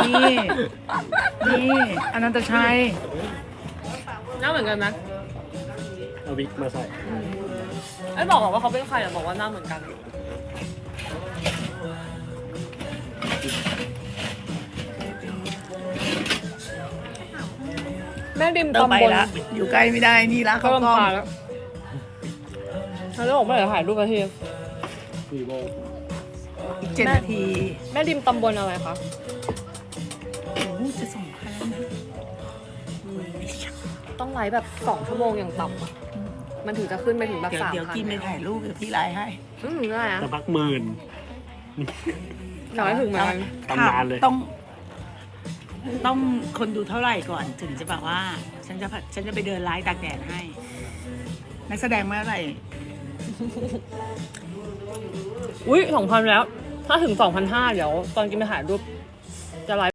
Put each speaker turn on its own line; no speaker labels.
นี่อนันตชัย
หน้าเหมือนกันไหม
เอาวิกมาใส่
ไอ้บอกว่าเขาเป็นใครแต่บอกว่าหน้าเหมือนกัน แม่ดิม
ต้อง
ตำ
ไป
บล
ละอยู่ใกล้ไม่ได้นี่ละ
เขา
เขากล้อง
ลำพาแล้วเขาบอกไม่ได้ถ่ายรูปมาที
วีโว
อีก7 นาที
แม่ดิมตำบลอะไรคะ
โอ้โหจะ2,000แล้วนะ
ต้องไลฟ์แบบ2 ชั่วโมงอย่างต่ำอะมันถึงจะขึ้นไปถึงแบบ
เดี๋ยว
3,000
กินไปถ่ายรูปเดี๋ยวพี่ไลน์ให้
ได้อะ
จะพักหมื่น
อยากให้ถึงเหมือนกัน
ตำนานเลย
ต้องคนดูเท่าไหร่ก่อนถึงจะแบบว่า ฉันจะไปเดินไลฟ์ตากแดดให้ นักแสดงเมื่อไหร่
อุ้ย2,000แล้ว ถ้าถึง 2,500เดี๋ยวตอนกินไปถ่ายรูปจะไลฟ์